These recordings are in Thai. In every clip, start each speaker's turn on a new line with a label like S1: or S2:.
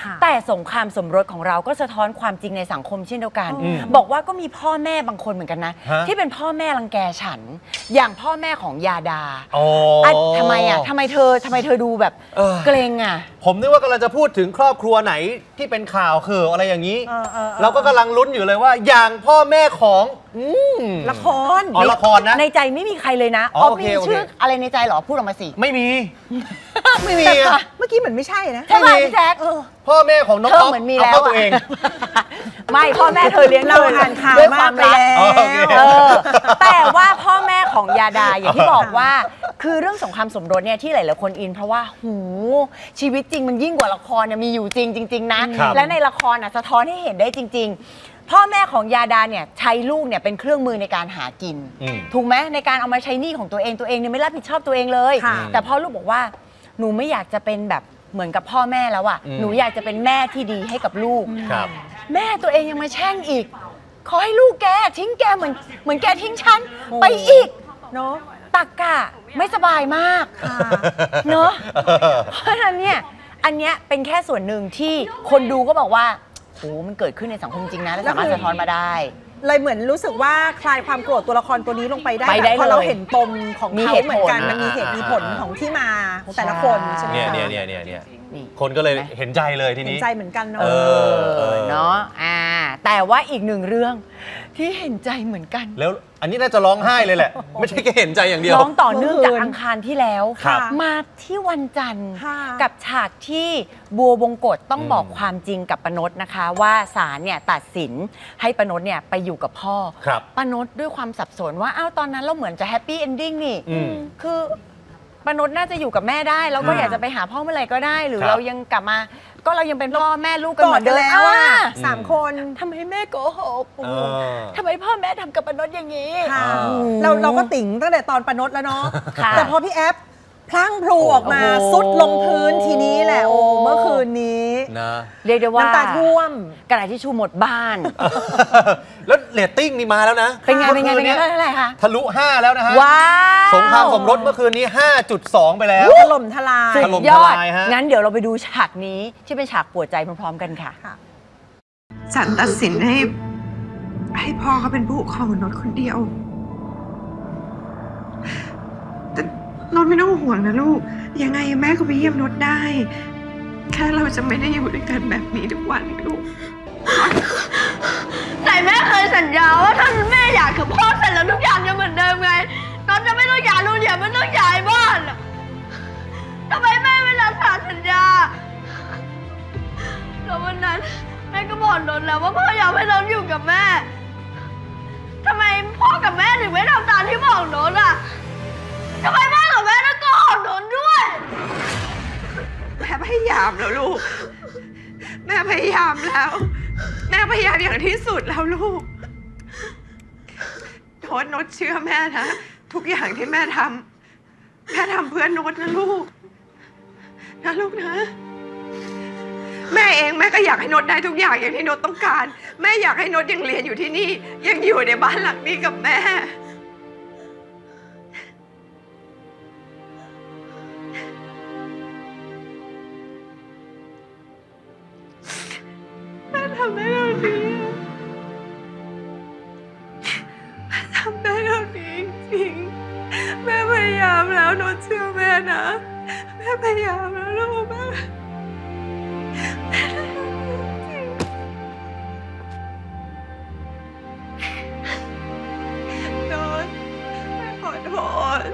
S1: แต่สงครามสมรสของเราก็สะท้อนความจริงในสังคมเช่นเดียวกันบอกว่าก็มีพ่อแม่บางคนเหมือนกันนะที่เป็นพ่อแม่รังแกฉันอย่างพ่อแม่ของยาดาทำไมทำไมเธอดูแบบเกรง
S2: ผมนึกว่ากำลังจะพูดถึงครอบครัวไหนที่เป็นข่าวคืออะไรอย่างนี้เราก็กำลังลุ้นอยู่เลยว่าอย่างพ่อแม่ของ
S3: ละคร
S2: ละครนะ
S1: ในใจไม่มีใครเลยนะมีชื่ออะไรในใจหรอพูดออกมาสิ
S2: ไม่มี
S3: เมื่อกี้เหมือนไม่ใช่นะ
S1: ใช่ไหมพี่แจ๊ค
S2: พ่อแม่ของน้อง
S1: อ๊อฟเหมือนมีแล้ว
S2: ตัวเอง
S1: ไม่พ่อแม่เธอเลี้ยง
S3: เราอ่านข่าว
S1: ด้วยความรักแต่ว่าพ่อแม่ของยาดาอย่างที่บอกว่าคือเรื่องสงครามสมรสเนี่ยที่หลายๆคนอินเพราะว่าชีวิตจริงมันยิ่งกว่าละครเนี่ยมีอยู่จริงๆนะและในละครสะท้อนให้เห็นได้จริงๆพ่อแม่ของยาดาเนี่ยใช้ลูกเนี่ยเป็นเครื่องมือในการหากินถูกไหมในการเอามาใช้หนี้ของตัวเองเนี่ยไม่รับผิดชอบตัวเองเลยแต่พ่อลูกบอกว่าหนูไม่อยากจะเป็นแบบเหมือนกับพ่อแม่แล้วหนูอยากจะเป็นแม่ที่ดีให้กับลูกแม่ตัวเองยังมาแช่งอีกขอให้ลูกแกทิ้งแกเหมือนแกทิ้งฉันไปอีก
S3: เนาะ
S1: ตักกะไม่สบายมากเนาะเพราะฉะนั้นเนี่ยอันเนี้ยเป็นแค่ส่วนหนึ่งที่คนดูก็บอกว่าโอ้มันเกิดขึ้นในสังคมจริงนะและสามารถสะท้อนมาได้
S3: เลยเหมือนรู้สึกว่าคลายความโกรธตัวละครตัวนี้ลงไปได้เพราะเราเห็นปมของเขาเหมือนกันมันมีเหตุมีผลของที่มาของแต่ละคนใช่ไหม
S2: เนี่ยคนก็เลยเห็นใจเลยทีนี้
S3: เห็นใจเหมือนกันเนาะ
S1: เนาะแต่ว่าอีกหนึ่งเรื่องที่เห็นใจเหมือนกัน
S2: แล้วอันนี้น่าจะร้องไห้เลยแหละไม่ใช่แค่เห็นใจอย่างเดียว
S1: ร้องต่อเนื่องจากอังคารที่แล้วมาที่วันจันทร์กับฉากที่บัวบงกฎต้องบอกความจริงกับปนดนะคะว่าศาลเนี่ยตัดสินให้ปนดเนี่ยไปอยู่กับพ่อปนดด้วยความสับสนว่าตอนนั้นเราเหมือนจะแฮปปี้เอนดิ้งนี่คือปนดน่าจะอยู่กับแม่ได้แล้วก็อยากจะไปหาพ่อเมื่อไหร่ก็ได้หรือเรายังกลับมาก็เรายังเป็นพ่อแม่ลูกกันเหมือนเดิม
S3: แล้ว3 คน
S1: ทำไมแม่โกหกทำไมพ่อแม่ทำกับปนดอย่างนี้
S3: เราก็ติ๋งตั้งแต่ตอนปนดแล้วเนาะแต่พอพี่แอฟพลั่งพลูออกมาซุดลงพื้นทีนี้แหละเมื่อคืนนี้
S2: นะ
S1: เรียกได้ว่า
S3: น้ำตาท่วม
S1: กระดาษทิชชู่หมดบ้าน
S2: แล้วเรตติ้งนี่มาแล้วนะ
S1: เป็นไงเท่าไหร่คะ
S2: ทะลุ5แล้วนะฮะ
S1: ว้าว
S2: สงครามสมรสเมื่อคืนนี้ 5.2 ไปแล้ว
S3: ถล่มทลาย
S1: สุดยอดงั้นเดี๋ยวเราไปดูฉากนี้ที่เป็นฉากปวดใจพร้อมๆกันค่ะ
S4: ศาลตัดสินให้พ่อเขาเป็นผู้ปกครองของนนท์คนเดียวแต่นนท์ไม่ต้องห่วงนะลูกยังไงแม่ก็ไปเยี่ยมนนท์ได้แค่เราจะไม่ได้อยู่ด้วยกันแบบนี้ทุกวันลูก
S5: แต่แม่เคยสัญญาว่าถ้าแม่อยากกับพ่อเสร็จแล้วทุกอย่างจะเหมือนเดิมไงนนท์จะไม่ต้องย้ายโรงเรียนไม่ต้องย้ายบ้านทำไมแม่ไม่รักษาสัญญาแล้ววันนั้นแม่ก็บอกนนท์แล้วว่าพ่ออยากให้นนท์อยู่กับแม่ทำไมพ่อกับแม่ถึงไม่ทำตามที่บอกนนท์ทำไมพ่อกับแม่ต้องโกหกนนท์ด้วย
S4: แม่พยายามแล้วลูกแม่พยายามแล้วแม่พยายามอย่างที่สุดแล้วลูกโน้ตเชื่อแม่นะทุกอย่างที่แม่ทำเพื่อโน้ตนะลูกนะแม่เองแม่ก็อยากให้โน้ตได้ทุกอย่างอย่างที่โน้ตต้องการแม่อยากให้โน้ตยังเรียนอยู่ที่นี่ยังอยู่ในบ้านหลังนี้กับแม่ทำได้เท่านี้ทำได้เท่านี้จริงแม่พยายามแล้วโน้ตเชื่อแม่นะแม่พยายามแล้วลูกแม่โน้ตแม่ขอโทษ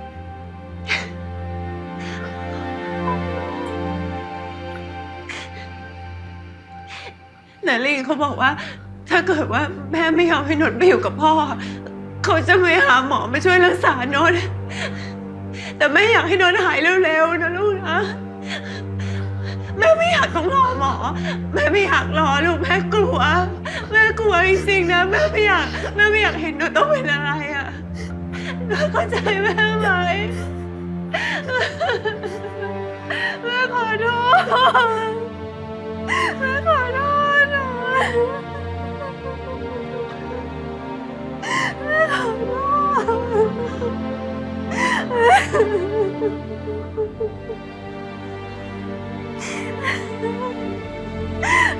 S4: นาลีเขาบอกว่าถ้าเกิดว่าแม่ไม่ยอมให้นนท์ไปอยู่กับพ่อเขาจะไปหาหมอมาช่วยรักษานนท์แต่แม่อยากให้นนท์หายเร็วๆนะลูกนะแม่ไม่อยากต้องรอหมอแม่ไม่อยากรอลูกแม่กลัวจริงๆนะแม่ไม่อยากเห็นนนท์ต้องเป็นอะไรเข้าใจแม่ไหมแม่ขอโทษแม่ขอโทษนะแม่ขอโทษ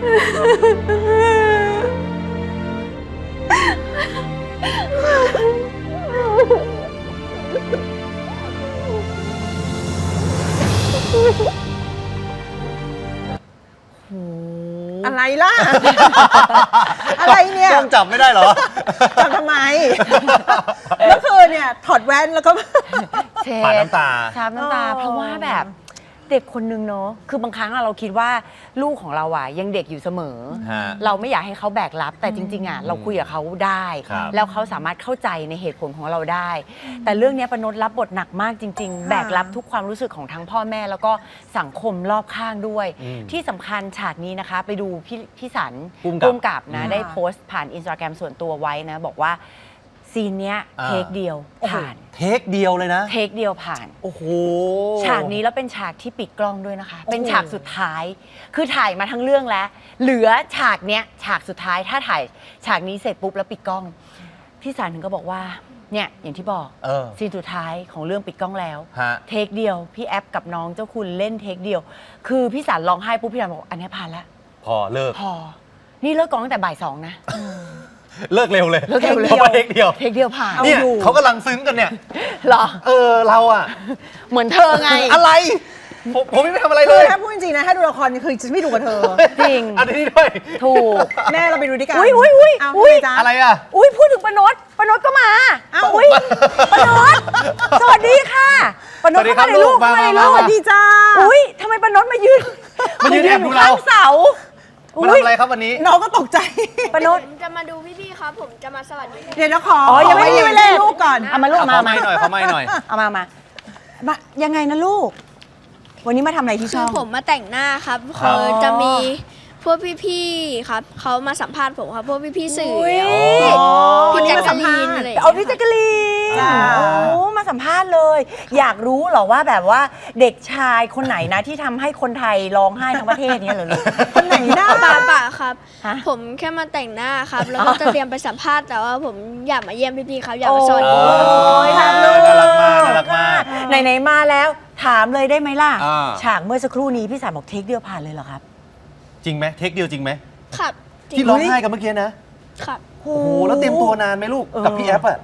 S3: อะไรล่ะ อะไรเนี่ย
S2: ต้องจับไม่ได้เหรอ
S3: ทำทำไม เมื่อคืนเนี่ยถอดแว่นแล้วก็
S1: เช็
S2: ปาดน้ำตา
S1: ชาบน้ำตา
S3: อ๋อ
S1: เพราะว่าแบบเด็กคนนึงเนาะคือบางครั้งเราคิดว่าลูกของเราอ่ะยังเด็กอยู่เสมอ
S2: ฮะ
S1: เราไม่อยากให้เขาแบกรับแต่จริงๆอ่ะเราคุยกับเขาได้
S2: ครับ
S1: แล้วเขาสามารถเข้าใจในเหตุผลของเราได้ แต่เรื่องเนี้ยปนดรับบทหนักมากจริง ๆ แบกรับทุกความรู้สึกของทั้งพ่อแม่แล้วก็สังคมรอบข้างด้วย ที่สำคัญฉากนี้นะคะ ไปดูพี่สัน
S2: ภูมิกับ
S1: ภูมิกับนะ
S3: อืม
S1: ได้โพสต์ผ่านอินสตาแกรมส่วนตัวไว้นะบอกว่าซีนเนี้ย
S2: อ่า
S1: เทคเดียวผ่าน
S2: เทคเดียวเลยนะ
S1: เทคเดียวผ่าน
S2: โอ้โห
S1: ฉากนี้แล้วเป็นฉากที่ปิดกล้องด้วยนะคะ เป็นฉากสุดท้าย คือถ่ายมาทั้งเรื่องแล้ว เหลือฉากเนี้ยฉากสุดท้าย ถ้าถ่ายฉากนี้เสร็จปุ๊บแล้วปิดกล้อง พี่สันถึงก็บอกว่า เนี่ยอย่างที่บอก
S2: เออ
S1: ซีนสุดท้ายของเรื่องปิดกล้องแล้ว
S2: ฮะ
S1: เทคเดียว พี่แอฟกับน้องเจ้าคุณเล่นเทคเดียว คือพี่สันร้องไห้ปุ๊บพี่สันบอกอันนี้ผ่านแล้ว
S2: พอเลิก
S1: พอ นี่เลิกกองตั้งแต่บ่าย 2 นะ
S2: เลิกเร็วเลย
S1: เลิกเร็วเลย
S2: พราะว่าเทคเดียว
S1: เทคเดียวผ่าน
S2: เนี่ย
S3: อยู่
S2: เขากำลังซึ้งกันเนี่ย
S1: เหรอ
S2: เราอะ
S1: เหมือนเธอไง
S2: อะไร ผมไม่ทำอะไร
S3: คื
S2: เล
S3: อย ถ้าพูดจริงๆนะถ้าดูละครคือจะไม่ดูกับเธอ
S1: จริง
S2: อันนี้ด้วย
S1: ถูก
S3: แม่เราไปดูด้วยกัน
S1: อุ๊ย
S3: เอา
S1: อุ๊ย
S3: ทำไมจ๊ะ
S2: อะไรอะ
S1: อุ้ยพูดถึงปนดก็มา
S3: เอ้า
S1: อุ้ยปนดสวัสดีค่ะปนดเข้ามาในลูก
S2: สวัสดีครับลูก
S1: เข้ามาในลู
S3: ส
S1: ก
S3: วัสดีจ้า
S1: อุ้ยทำไมปนดมายืน
S2: มายืนแอบดูเรา
S1: ข้างเสา
S2: มาทำอะไรครับวันนี้
S3: น้องก็ตกใจ
S1: ปนด
S5: ผมจะมาดูพี่ๆครับ ผมจะมาสวัสดี
S3: เดี๋ยวนะขอ
S1: อ๋อยังไม่มีเวลา
S3: ลูกก่อน
S1: เอามาลูก
S2: ขอ
S1: มา
S2: ไม่หน่อยขอไม่หน่อย
S1: เอามายังไงนะลูก วันนี้มาทำอะไรที่
S5: คื
S1: ช่
S5: อ
S1: อง
S5: ผมมาแต่งหน้าครับ
S2: ครับ
S5: จะมีพวกพี่ๆครับเขามาสัมภาษณ์ผมครับพวกพี่ๆสื่อ
S1: อุ๊ย
S5: พี่แจ๊ก
S3: มาสั
S5: กะ
S3: ม
S5: ลี
S3: ภาษ
S5: น
S3: ณ์
S5: อะไร
S1: เอาพี่แจ๊กกะลีน
S3: จ้า
S1: โอ้มาสัมภาษณ์เลย อยากรู้เหรอว่าแบบว่าเด็กชายคนไหนนะที่ทำให้คนไทยร้องไห้ทั้งประเทศเนี้ยเหรอลูก
S3: คนไหนหน้า
S5: ป่าครับ
S1: ฮะ
S5: ผมแค่มาแต่งหน้าครับ แล้วก็จะเตรียมไปสัมภาษณ์แต่ว่าผมอยากมาเยี่ยมพี่ๆครับอยากมาสวัสดี
S2: โอ้
S1: โอ้ยน่ารัก
S2: น่ารักมากน่ารักมาก
S1: ไหนๆมาแล้วถามเลยได้ไหมล่ะ
S2: อ่า
S1: ฉากเมื่อสักครู่นี้พี่สารบอกเทคเดียวผ่านเลยเหรอครับ
S2: จริงไหมเทคเดียวจริงไหม
S5: ครับจริ
S2: ที่
S5: ง
S2: ร้องไห้กันเมื่อกี้นะ
S5: ครับ
S2: โอ้โห แล้วเตรียมตัวนานไหมลูก กับพี่แอฟอะ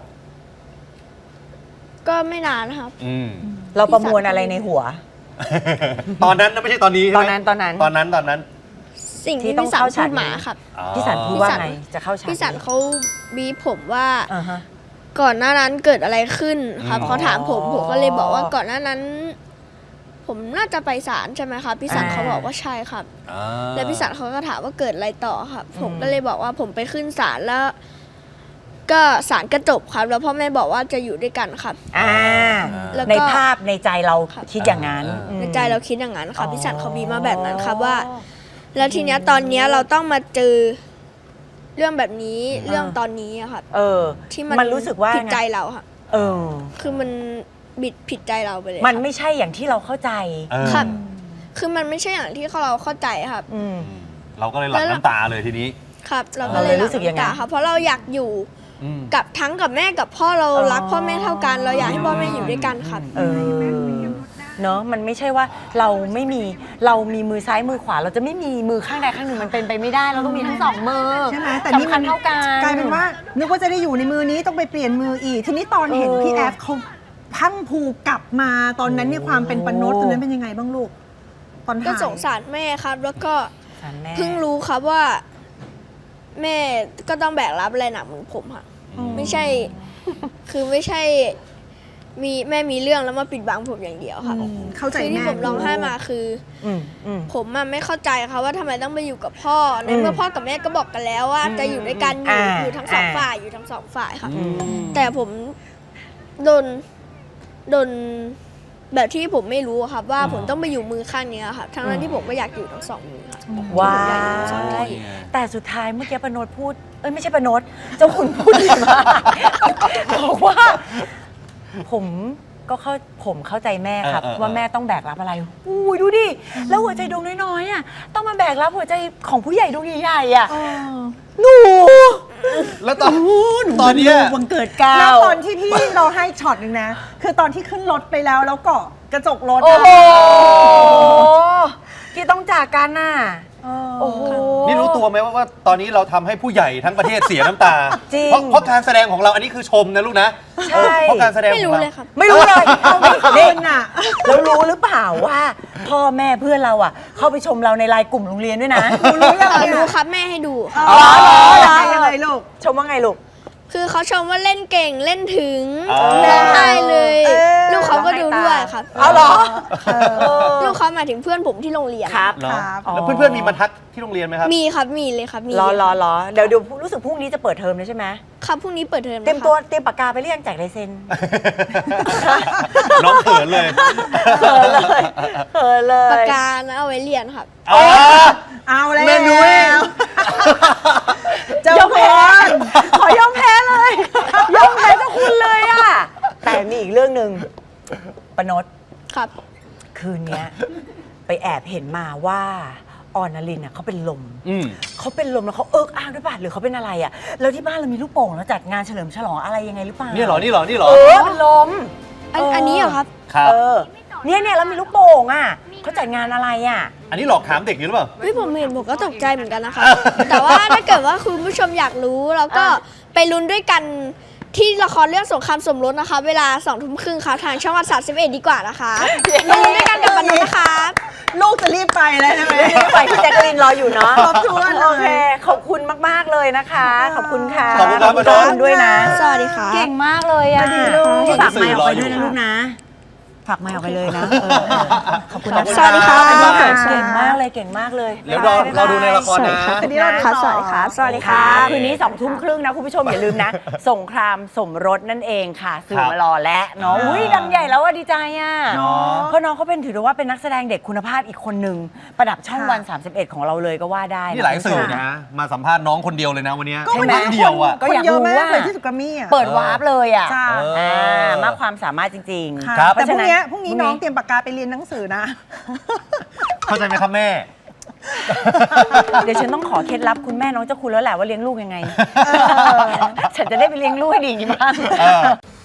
S5: ก็ไม่นานครับ
S2: อืม
S1: เราประมวลอะไรในหัว
S2: ตอนนั้นนะไม่ใช่ตอนนี้ใช่ไหม
S1: ตอนนั้น
S2: ตอนนั้น
S5: สิ่ง
S1: ที่
S5: ที่
S1: ต้อง
S5: พี่สัน
S1: เข้า
S5: พู
S1: ฉาก
S5: ด
S1: นี้
S5: มาครับ
S2: อ๋อ
S1: พี่สารพูดว่าไงจะเข้าฉาก
S5: พี่สันเขาบีบผมว่า
S1: อ่าฮะ
S5: ก่อนหน้านั้นเกิดอะไรขึ้นครับ
S2: อืม
S5: เขาถามผมก็เลยบอกว่าก่อนหน้านั้น ผมน่าจะไปศาลใช่ไหมครับพี่สันเขาบอกว่าใช่ครับ
S2: อ่า
S5: แล้วพี่สันเขาก็ถามว่าเกิดอะไรต่อครับ ผมก็เลยบอกว่าผมไปขึ้นศาลแล้ว ก็ศาลก็จบครับ แล้วพ่อแม่บอกว่าจะอยู่ด้วยกันครับ
S1: อ่า
S5: แล้วก็
S1: ในภาพในใจเรา
S5: ครับ
S1: คิดอย่างนั้น
S5: ในใจเราคิดอย่างนั้นครับพี่สันเขาบีบมาแบบนั้นครับว่า แล้วทีเนี้ยตอนเนี้ยเราต้องมาเจอเรื่องแบบนี้เรื่องตอนนี้อะครับ
S1: เออ
S5: ที่
S1: มันรู้สึกว่า
S5: ผิดใจเราครับ
S1: เออ
S5: คือมันบิดผิดใจเราไปเลย
S1: มัน
S5: ครับ
S1: ไม่ใช่อย่างที่เราเข้าใจ
S2: เออ
S5: ครับ คือมันไม่ใช่อย่างที่เราเข้าใจครับ
S1: อืม
S2: เราก็เลยหลั่งน้ำตาเลยทีนี้
S5: ครับ เราก็
S1: เรา
S5: เล
S1: เลย ยรู้สึกอย่างนั้น
S5: หลั่น้ำตครับ เพราะเราอยากอยู่
S2: อืม
S5: กับทั้งกับแม่กับพ่อเรา
S1: อ๋อ
S5: รักพ่อแม่เท่ากัน เราอยากให้พ่อแม่อยู่ด้วยกันครับ
S1: เออเนาะมันไม่ใช่ว่าเราไม่มีเรามีมือซ้ายมือขวา เราจะไม่มีมือข้างใดข้างหนึ่งมันเป็นไปไม่ได้ เราต้องมีทั้งสองมือ
S3: ใช่ไหมแต่นี่
S1: สำคั
S3: มั
S1: ญ
S3: น
S1: เท่ากัน
S3: กลายเป็นว่านึกว่าจะได้อยู่ในมือนี้ต้องไปเปลี่ยนมืออีก ทีนี้ตอนเห็น
S1: เออ
S3: พี่แอฟเขาพังผูกลับมาตอนนั้นเนี่ยความเป็นปนดตอนนั้นเป็นยังไงบ้างลูก ตอน
S5: ก็
S3: ถ่าย
S5: สงสารแม่ครับ แล้วก็
S1: สารแม่
S5: เพิ่งรู้ครับว่า แม่ก็ต้องแบกรับอะไรหนักเหมือนผมค่ะ ไม่ใช่ คือไม่ใช่แม่มีเรื่องแล้วมาปิดบังผมอย่างเดียวครับ
S3: เข้าใจ
S5: คือที่
S3: แม่
S5: ผมร้องไห้มาคือ
S1: อืมอืม
S5: ผมอะไม่เข้าใจค่ะว่าทำไมต้องไปอยู่กับพ่อ ในเมื่อพ่อกับแม่ก็บอกกันแล้วว่า จะอยู่ด้วยกันอยู่ทั้งสองฝ่ายอยู่ทั้งสองฝ่ายค่ะ
S1: อืม
S5: แต่ผมโดนแบบที่ผมไม่รู้อะครับ ว่าผมต้องไปอยู่มือข้างนี้ครับทั้งนั้นที่ผมก็อยากอยู่ทั้งสองมือครับ
S1: ว้า
S5: ผมอยากอยู่ทั้งสองที่
S1: แต่สุดท้ายเมื่อกี้ปนดพูด เอ้ยไม่ใช่ปนดเจ้าคุณพูดดีมากบอกว่า ผมเข้าใจแม่ครับ ว่าแม่ต้องแบกรับอะไรอุ้ยดูดิ แล้วหัวใจดวงน้อยๆอ่ะต้องมาแบกรับหัวใจของผู้ใหญ่ดวงใหญ่ๆอ่ะหนู
S2: แล้วตอนเนี้ย
S1: วันเกิดก้า
S3: แล้ว
S1: ว
S3: ตอนที่พี่เราให้ช็อตหนึ่งนะ คือตอนที่ขึ้นรถไปแล้วเกาะกระจกรถ
S1: โอ้
S3: อะ
S1: โหที่ต้องจากกันน่ะ
S3: เออ
S1: โอ้โห
S2: นี่ตัวไหมว่าตอนนี้เราทำให้ผู้ใหญ่ทั้งประเทศเสียน้ำตา
S1: จริง
S2: เพราะการแสดงของเราอันนี้คือชมนะลูกนะ
S1: ใช่
S2: เพราะการแสดง
S5: ไม่
S2: ของ
S5: รู้
S2: เรา
S5: เลยครับ
S1: ไม่รู้เลยไม่
S3: เกิ
S1: เด็ก
S3: นอ่ะ
S1: แล้วรู้หรือเปล่าว่าพ่อแม่เพื่อนเราอ่ะ เข้าไปชมเราในไลน์กลุ่มโรงเรียนด้วยนะ
S3: รู้ยัง
S5: รู้ครับแม่ให้ดูครับ
S3: อ๋อยังไงลูก
S1: ชมว่าไงลูก
S5: คือเขาชมว่าเล่นเก่งเล่นถึง
S2: อ๋อ
S5: ร้องไห้เลย
S3: เออ
S5: ลูกเขาก็ดูด้วยครับ
S1: เอาเหรอ
S5: ลูกเขาหมายถึงเพื่อนผมที่โรงเรียน
S1: ครับ
S2: เหรอ
S3: ครับ
S2: แล้วเพื่อนๆมีมาทักที่โรงเรียนไหมครับ
S5: มีครับมีเลยครับมี
S1: รอ
S5: เลย
S1: ร
S5: ค
S1: อ
S5: รับ
S1: รอเดี๋ยวรู้สึกพรุ่งนี้จะเปิดเทอมเลยใช่ไหม
S5: ครับพรุ่งนี้เปิดเทอม
S1: เตรียมตัวเตรียมปากกาไปเรียงแจกลายเซ็น
S2: น้องเขินเลย
S1: เขินเลยเขินเลย
S5: ปากกานะเอาไว้เรียนครับ
S2: อ๋อ
S3: เอาแล้ว
S2: แม่นุ้ย
S3: เจ้าพร
S1: ขอยอมแพ้เลยยอมแพ้เจ้าคุณเลยอ่ะแต่มีอีกเรื่องหนึ่งปนด
S5: ครับ
S1: คืนเนี้ยไปแอบเห็นมาว่าออนลินเขาเป็นลม
S2: อืม
S1: เขาเป็นลมแล้วเขาเอิกอ้างด้วยป่ะหรือเขาเป็นอะไรอ่ะแล้วที่บ้านเรามีลูกโป่งแล้วจัดงานเฉลิมฉลองอะไรยังไงหรือเปล่า
S2: นี่เหรอ นี่เหรอ นี่เหรอ
S1: เป็นลม
S5: อันนี้เหรอครับ
S2: ครับ
S1: เนี่ยแล้วมีลูกโป่งอ่ะเขาจัดงานอะไรอ่ะ
S2: อันนี้หลอกถามเด็กอยู่หรือเปล่า
S5: เฮ้ยผมเห็นผมก็ตกใจเหมือนกันนะคะ แต่ว่าถ้าเกิดว่าคุณผู้ชมอยากรู้เราก็ไปลุ้นด้วยกันที่ละครเรื่องสงครามสมรสนะคะ เวลา 20:30ค่ะทางช่องวัน31ดีกว่านะคะมาลุ้นด้วยกันกับปนุษนะคะ
S3: ลูกจะรีบไปแล้วใช่ไหม
S1: ไปพี่แจ๊กกะลินรออยู่เนาะ
S3: ครบถ้วนเลย
S1: โอเคขอบคุณมากๆเลยนะคะ ขอบคุณค่ะ
S2: ขอบคุณครับ
S1: ขอบคุณด้วยนะ
S5: สวัสดีค่ะ
S1: เก่งมากเลยอ่ะ
S3: สวัสดีลูก
S1: ฝากไมค์ออกไปด้วย
S2: สื่
S1: นะ
S2: อรออยู่
S1: ลูกนะ ฝากไมค์ออกไปเลยนะขอบคุณ
S2: ขอบ
S1: นะ
S2: คุณ
S5: สวัสดีค่ะ
S1: เก่งมากเลยเก่งมากเลย
S2: เดี๋ยวเราดูในละครนะ
S3: อันนี้เราดูต่อ
S5: สวัสดีค่ะ
S1: สวัสดีค่ะ คืนนี้20:30นะคุณผู้ชมอย่าลืมนะ สงครามสมรสนั่นเองค่ะสื่อมารอและเนาะอุ้ยดังใหญ่แล้วว่าดีใจอ่ะ
S3: เนาะ
S1: เพราะน้องเขาเป็นถือได้ว่าเป็นนักแสดงเด็กคุณภาพอีกคนหนึ่งประดับช่องวัน 31 ของเราเลยก็ว่าได้
S2: นี่หลาย
S1: คุณ
S2: สื่อ
S1: ผู้ชม
S2: นะ มาสัมภาษณ์น้องคนเดียวเลยนะวันนี้
S3: ก็วันนี้
S2: เดียวอ่ะ
S1: ก็
S3: คน
S1: อยาก
S3: เยอะ
S1: รู้
S3: มาก
S1: ว่า
S3: เลยที่สุดกามี่อ่ะ
S1: เปิดวาร์ปเลยอ่ะ
S3: จ้า
S1: มากความสามารถจริงๆ
S3: ค่ะ
S2: ครับ
S3: แต่พรุ่งนี้
S1: เพราะฉะนั้น
S3: น้องเตรียมปากกาไปเรียนหนังสือนะ
S2: เข้าใจไหมครับแม่
S1: เดี๋ยวฉันต้องขอเคล็ดลับคุณแม่น้องเจ้าคุณแล้วแหละว่าเลี้ยงลูกยังไง ฉันจะได้ไปเลี้ยงลูกให้ดีอย่างนี้บ้าง
S2: เออ